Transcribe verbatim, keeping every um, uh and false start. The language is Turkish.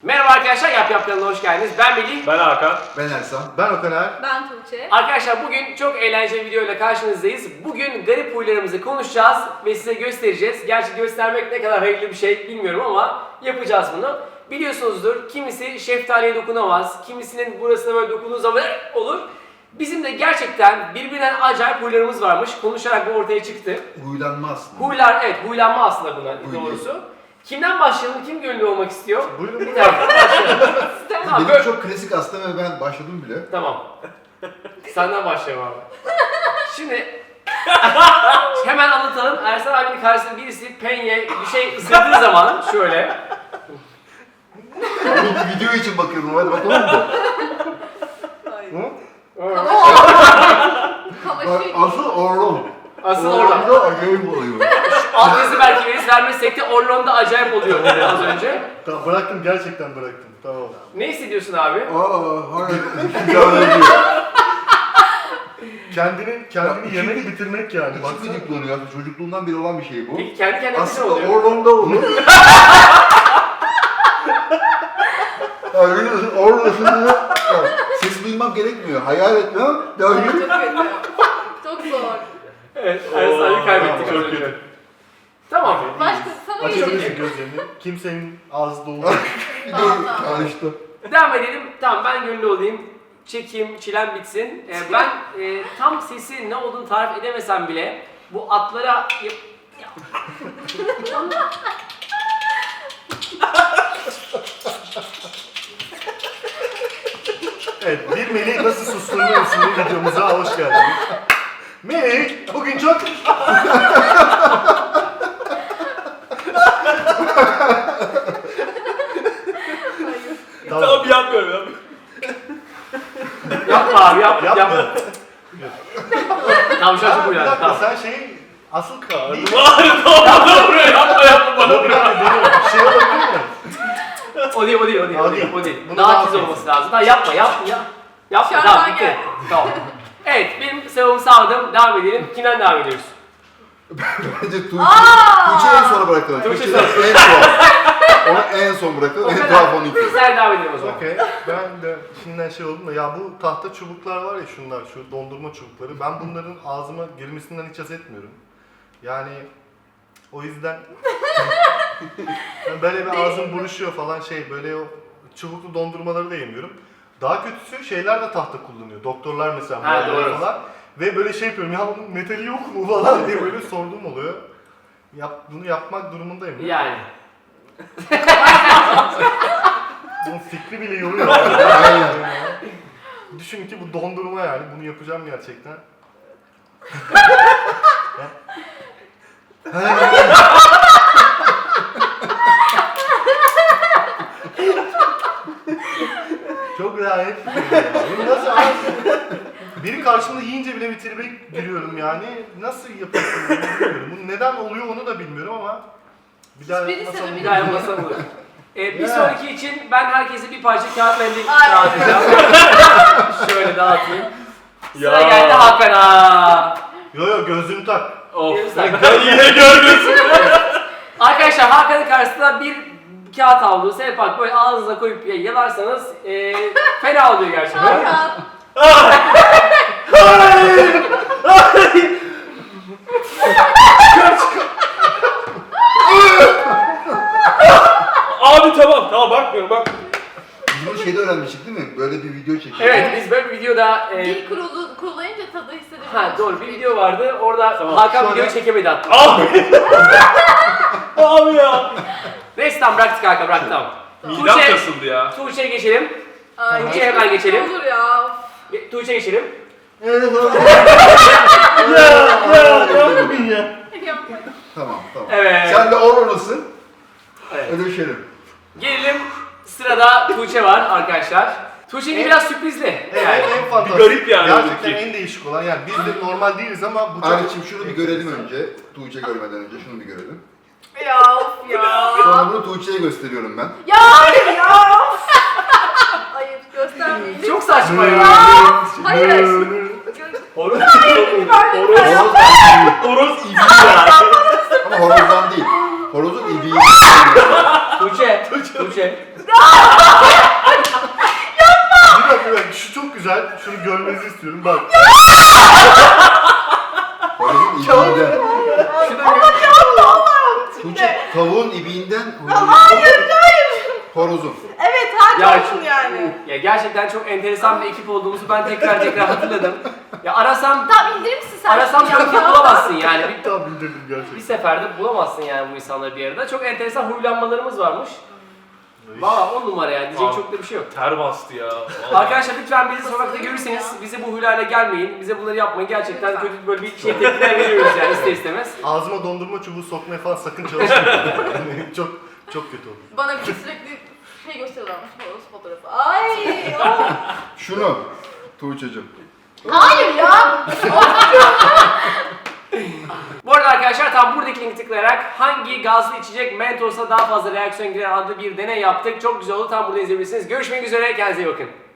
Merhaba arkadaşlar, Yap Yap kanalına hoş geldiniz. Ben Melih. Ben Hakan. Ben Ersan. Ben Okaner. Ben Tuğçe. Arkadaşlar bugün çok eğlenceli bir videoyla karşınızdayız. Bugün garip huylarımızı konuşacağız ve size göstereceğiz. Gerçi göstermek ne kadar hayırlı bir şey bilmiyorum ama yapacağız bunu. Biliyorsunuzdur, kimisi şeftaliye dokunamaz, kimisinin burasına böyle dokunduğu zaman olur. Bizim de gerçekten birbirinden acayip huylarımız varmış. Konuşarak bu ortaya çıktı. Huylanma aslında. Huylar, evet huylanma aslında buna Huy doğrusu. Kimden başlayalım? Kim gönüllü olmak istiyor? Buyurun. Bir dakika başlayalım. Tamam, Benim böyle- çok klasik aslında ve ben başladım bile. Tamam. Senden başlayalım abi. Şimdi hemen anlatalım. Ersan abinin karşısında birisi penye bir şey ısırdığı zaman şöyle. Onun bir video için bakıyorum. Hadi bakalım mı? Hayır. Bak, Kamaşı. asıl Orlon. Asıl orada. Orlon'da acayip oluyor. Alt yazı belki veririz vermezsek de Orlon'da acayip oluyor dedi az önce. Tamam, bıraktım, gerçekten bıraktım. Tamam. Ne hissediyorsun abi? Aa, harika. Kendini, kendini Bak, yemek şimdi- bitirmek yani. Bak Baksana. çocukluğunu ya. Çocukluğundan beri olan bir şey bu. Peki kendi kendine ne Aslında oluyor? Orlon'da olur. Ya biliyorsun Orlon'da ses duymam gerekmiyor. Hayal etmem. Ya Çok kötü. Çok zor. Evet, Ersan abi kaybettik az Tamam, önce. çok Tamam. Başka sana Açabilirsin geçelim. gözlerini. Kimsenin ağzı dolu. bir de karıştı. Devam edelim. Tamam ben gönüllü olayım. Çekim, çilem bitsin. Ee, ben e, tam sesi ne olduğunu tarif edemesem bile bu atlara... yap- Ya. Evet, bir Melih nasıl susturuluyor isimli videomuza hoş geldiniz. Melih, bugün çok... Tamam. Tamam yapmıyorum ya. Yapma abi yapma. Yapma. yapma. Tamam şu an çok Ha, bir uyardım. dakika, Tamam. sen şey... Asıl değil. Bari tamam buraya yapma yapma bana Bir bırak. dakika, deniyorum. Bir şey olabilir mi? O değil o değil o değil. O O değil. değil. O değil. Bunu Daha daha tiz tiz. olması lazım. Daha yapma yapma ya. Yapma Şu an tamam ben bitti. geldim. Tamam. Evet benim sıramı sağladım. Devam edelim. Kimden devam ediyoruz? Bence Tuğçe, Aa! Tuğçe'yi en sona bırakalım. Tuğçe Tuğçe'yi en son. Onu en son bırakalım. En tuhaf onu ilk. Sen devam edelim o zaman. Okey. Ben de şimdiden şey oldum da ya bu tahta çubuklar var ya şunlar, şu dondurma çubukları. Ben bunların ağzıma girmesinden hiç haz etmiyorum. Yani o yüzden yani böyle bir ağzım buruşuyor falan şey böyle o çubuklu dondurmaları da yemiyorum. Daha kötüsü şeyler de tahta kullanıyor. Doktorlar mesela Ha, muayene doğru. falan. Ve böyle şey yapıyorum ya bunun metali yok mu falan diye böyle sorduğum oluyor. Yap, bunu yapmak durumundayım. Yani. Bunun fikri bile yoruyor. Aynen. Düşün ki bu dondurma yani bunu yapacağım gerçekten. Çok lanet bir şey ya. Bunu nasıl ağzım? Biri karşımda yiyince bile bir tribe giriyorum yani. Nasıl yapıyorsun bunu bilmiyorum. Bu neden oluyor onu da bilmiyorum ama bir daha Hiçbiri yapmasam sebebi Bir daha yapmasam olur. Ee, bir Ya. sonraki için ben herkese bir parça kağıt mendil Ay. dağıtacağım. Şöyle dağıtayım. Ya. Sıra geldi Hakan'a. Yo yo gözlüğünü tak. Of. Gözler. Ben yine görmüyorsun. Arkadaşlar Hakan'ın karşısında bir kağıt havlu, selpak böyle ağzınıza koyup yalarsanız e, fena oluyor gerçekten. Hakan. Abi tamam tamam bakmıyorum bak. Biz bunu şeyde öğrenmiştik değil mi? Böyle bir video çektik. Evet biz böyle bir videoda e, Dil kurulu, kurulayınca tadı hissedebiliyorsun. ha doğru bir video vardı. Orada Tamam, Hakan şöyle- videoyu çekemedi hatta. Abi. Abi ya. Neyse tamam bıraktık Hakan bıraktık tamam. Midem Tuğçe, kasıldı ya. Tuğçe'ye geçelim. Ay, Tuğçe'ye hemen geçelim. Olur ya. Ge- Tuğçe'ye geçelim. Evet, tamam. Ya ya ne yapayım ya? Yapmayın. Tamam, tamam. Evet. Sen de Orlon'usın. Evet. Ödeşelim. Gelelim sırada Tuğçe var arkadaşlar. Tuğçe'nin biraz sürprizli. Evet, Yani. en fantastik. Bir garip yani Gerçekten öndeki. en değişik olan yani biz de normal değiliz ama bu çok... Ayrıca şunu bir görelim önce. Tuğçe görmeden önce şunu bir görelim. Ya of ya. Sonra bunu Tuğçe'ye gösteriyorum ben. Ya hayır ya. Hayır göstermeyin. Çok saçma ya. Hayır. Horoz. Horoz. Horoz ibi ya. Ama horozdan değil. Horozun ibiği. Tuğçe. Tuğçe. güzel. Şunu görmenizi istiyorum. Bak. Horozun ibiğinden. Şurada Tuğçe tavuğun ibiğinden Hayır hayır. horozun. Evet hadi Ya olsun şu- yani. Ya gerçekten çok enteresan bir ekip olduğumuzu ben tekrar tekrar hatırladım. Ya arasam Tamam indirir misin sen? arasam Ya, çok ya. bulamazsın yani. Bir, Tamam indirdim bir gerçekten. seferde bulamazsın yani bu insanları bir arada. Çok enteresan huylanmalarımız varmış. Valla on numara yani diyecek Abi. çok da bir şey yok. Ter bastı ya. Vallahi. Arkadaşlar lütfen bizi sokakta görürseniz bize bu huylarla gelmeyin. Bize bunları yapmayın. Gerçekten Lütfen. kötü böyle bir şey tepkiler veriyoruz yani ister istemez. Ağzıma dondurma çubuğu sokmaya falan sakın çalışmayın. Yani çok çok kötü olur. Bana bir sürekli şey gösteriyorlarmış horoz fotoğrafı. Ay of. Şunu Tuğçe'cim. Hayır ya. Bu arada arkadaşlar tam buradaki linki tıklayarak hangi gazlı içecek Mentos'a daha fazla reaksiyon giren adlı bir deney yaptık. Çok güzel oldu. Tam burada izleyebilirsiniz. Görüşmek üzere. Kendinize iyi bakın.